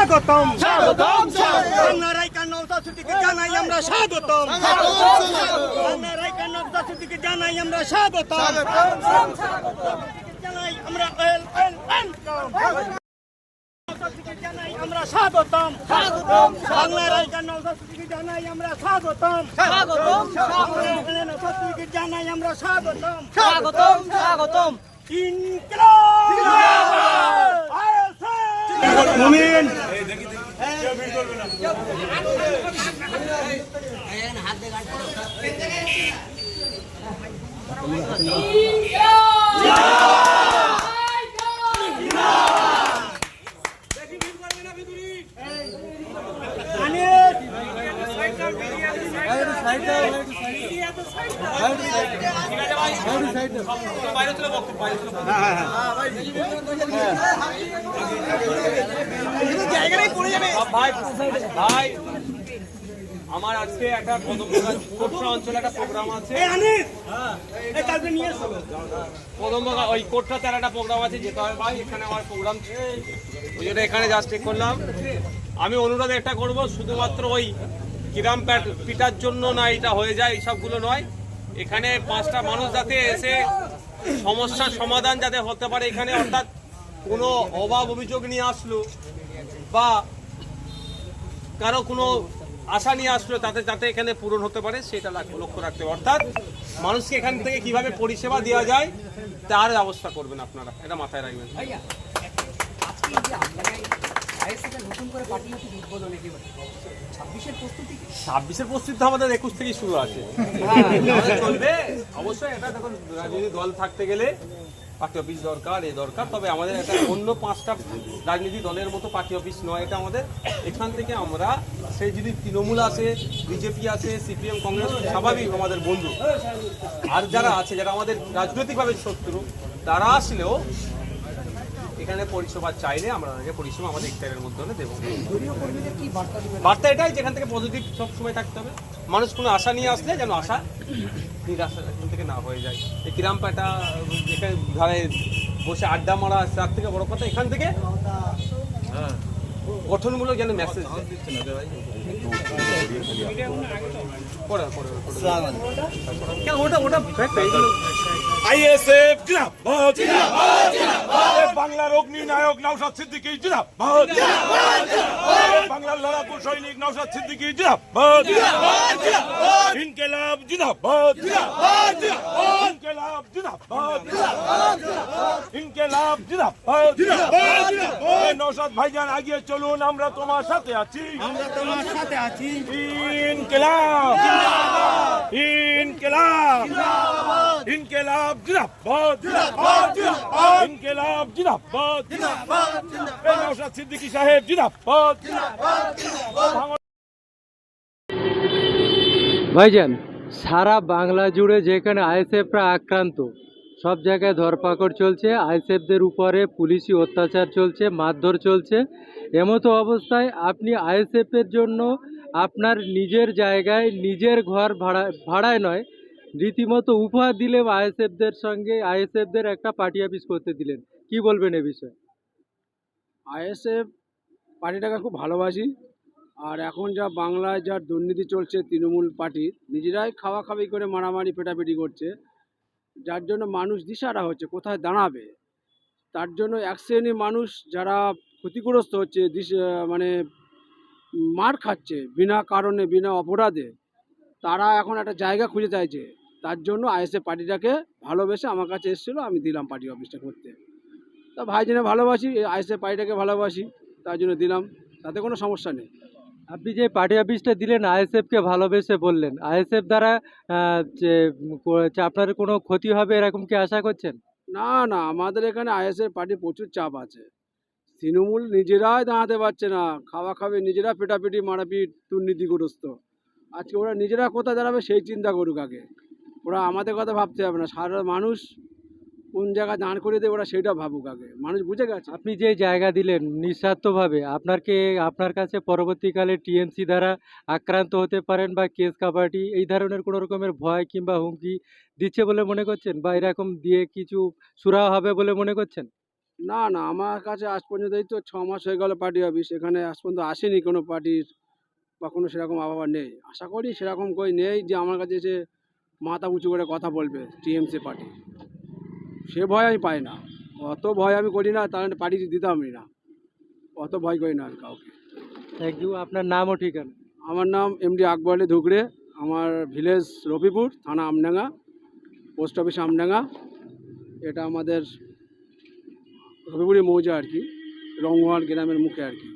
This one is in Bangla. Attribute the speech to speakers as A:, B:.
A: স্বাগতম
B: স্বাগতম
A: বাংলার আইকার নওশাদ সিদ্দিকীকে জানাই আমরা স্বাগতম বাংলার আইকার নওশাদ সিদ্দিকীকে জানাই আমরা স্বাগতম জানাই আমরা জানাই আমরা স্বাগতম বাংলার আইকার নওশাদ সিদ্দিকীকে জানাই আমরা স্বাগতম নওশাদ সিদ্দিকীকে জানাই আমরা স্বাগতম ইনকিলাব জিন্দাবাদ মুমিন
B: ভাই আমার আজকে একটা কোটরা অঞ্চলে একটা প্রোগ্রাম আছে কদমবাগা ওই কোটরাতে একটা প্রোগ্রাম আছে যেতে হবে ভাই এখানে আমার প্রোগ্রাম ওই জন্য এখানে জাস্ট ঠিক করলাম আমি অনুরোধ একটা করব শুধুমাত্র ওই কিরাম পিটার জন্য না এটা হয়ে যায় এইসবগুলো নয় এখানে 5টা মানুষ যাতে এসে সমস্যার সমাধান যাতে হতে পারে এখানে অর্থাৎ কোনো অভাব অভিযোগ নিয়ে আসলো বা কারো কোনো আশা নিয়ে আসলো তাতে যাতে এখানে পূরণ হতে পারে সেটা লক্ষ্য রাখতে হবে অর্থাৎ মানুষকে এখান থেকে কিভাবে পরিষেবা দেওয়া যায় তার ব্যবস্থা করবেন আপনারা এটা মাথায় রাখবেন ছাব্বিশের প্রস্তুতি আমাদের 21 থেকেই শুরু আছে চলবে অবশ্যই এটা দেখুন রাজনৈতিক দল থাকতে গেলে পার্টি অফিস দরকার দরকার তবে আমাদের একটা অন্য 5টা রাজনৈতিক দলের মতো পার্টি অফিস নয় এটা আমাদের এখান থেকে আমরা সেই যদি তৃণমূল আছে বিজেপি আছে সিপিএম কংগ্রেস স্বাভাবিক আমাদের বন্ধু আর যারা আছে যারা আমাদের রাজনৈতিকভাবে শত্রু তারা আসলেও এখানে পরিষেবা চাইলে আমরা পরিষেবা আমাদের ইফতারের মধ্যে দেবো বার্তা এটাই যেখান থেকে পজিটিভ সবসময় থাকতে হবে মানুষ কোনো আশা নিয়ে আসলে যেন আশা নিরাশা এখান থেকে না হয়ে যায় এই কিরামপাটা যেখানে ধারে বসে আড্ডা মারা তার থেকে বড় কথা এখান থেকে গঠনমূলক যেন মেসেজ ওটা ওটা
C: আইএসএফ জিন্দাবাদ জিন্দাবাদ বাংলার অগ্নি নায়ক নওশাদ সিদ্দিকী জিন্দাবাদ জিন্দাবাদ বাংলার লড়াকু সৈনিক নওশাদ সিদ্দিকী জিন্দাবাদ জিন্দাবাদ ইনকিলাব জিন্দাবাদ জিন্দাবাদ ইনকিলাব জিন্দাবাদ ইনকিলাব জিন্দাবাদ জিন্দাবাদ নওশাদ ভাইজান এগিয়ে চলুন আমরা তোমার সাথে আছি ইনকিলাব জিন্দাবাদ ইনকিলাব জিন্দাবাদ ইনকিলাব জিন্দাবাদ জিন্দাবাদ ইনকিলাব জিন্দাবাদ জিন্দাবাদ নওশাদ সিদ্দিকী সাহেব জিন্দাবাদ জিন্দাবাদ
D: ভাইজান সারা বাংলা জুড়ে যেখানে আইএসএফরা আক্রান্ত সব জায়গায় ধরপাকড় চলছে আইএসএফদের উপরে পুলিশি অত্যাচার চলছে মারধর চলছে এমতো অবস্থায় আপনি আইএসএফের জন্য আপনার নিজের জায়গায় নিজের ঘর ভাড়ায় নয় রীতিমতো উপহার দিলে আইএসএফদের সঙ্গে আইএসএফদের একটা পার্টি অফিস করতে দিলেন কি বলবেন এ বিষয়ে
E: আইএসএফ পার্টিটাকে খুব ভালোবাসি আর এখন যা বাংলায় যা দুর্নীতি চলছে তৃণমূল পার্টির নিজেরাই খাওয়াখাওয়ি করে মারামারি পেটাপিটি করছে যার জন্য মানুষ দিশাহারা হচ্ছে কোথায় দাঁড়াবে তার জন্য এক শ্রেণীর মানুষ যারা ক্ষতিগ্রস্ত হচ্ছে মানে মার খাচ্ছে বিনা কারণে বিনা অপরাধে তারা এখন একটা জায়গা খুঁজে চাইছে তার জন্য আইএসএফ পার্টিটাকে ভালোবেসে আমার কাছে এসেছিলো আমি দিলাম পার্টি অফিসটা করতে তা ভাইজনে ভালোবাসি আইএসএফ পার্টিটাকে ভালোবাসি তার জন্য দিলাম তাতে কোনো সমস্যা নেই
D: আপনি যে পার্টি অফিসটা দিলেন আইএসএফকে ভালোবেসে বললেন আইএসএফ দ্বারা যে আপনার কোনো ক্ষতি হবে এরকম কি আশা করছেন
E: না না আমাদের এখানে আইএসএফ পার্টির প্রচুর চাপ আছে তৃণমূল নিজেরাই দাঁড়াতে পারছে না খাওয়াখাওয়ি নিজেরা পেটাপিটি মারাপিট দুর্নীতিগ্রস্ত আজকে ওরা নিজেরা কোথায় দাঁড়াবে সেই চিন্তা করুক আগে ওরা আমাদের কথা ভাবতে হবে না সারা মানুষ কোন জায়গায় দাঁড় করে দেবে ওরা সেটা ভাবুক আগে মানুষ বুঝে গেছে
D: আপনি যে জায়গা দিলেন নিঃস্বার্থভাবে আপনার কাছে পরবর্তীকালে টিএমসি দ্বারা আক্রান্ত হতে পারেন বা কেস কাবাডি এই ধরনের কোনো রকমের ভয় কিংবা হুমকি দিচ্ছে বলে মনে করছেন বা এরকম দিয়ে কিছু সুরাহা হবে বলে মনে করছেন
E: না না, আমার কাছে আজ পর্যন্ত এই তো 6 মাস হয়ে গেল পার্টি অফিস, এখানে আজ পর্যন্ত আসেনি কোনো পার্টির বা কোনো সেরকম আবহাওয়া নেই। আশা করি সেরকম কই নেই যে আমার কাছে এসে মাথা উঁচু করে কথা বলবে টিএমসি পার্টি, সে ভয় আমি পাই না। অত ভয় আমি করি না, তাহলে পার্টি দিতামই না, অত ভয় করি না আমি কাউকে।
D: Thank you. আপনার নাম ও ঠিকানা?
E: আমার নাম এমডি আকবর আলী ধুকরে, আমার ভিলেজ রবিপুর, থানা আমডাঙ্গা, পোস্ট অফিস আমডাঙ্গা। এটা আমাদের রবিপুরি মৌজা আর কি, রংওয়াল গ্রামের মুখে আর কি।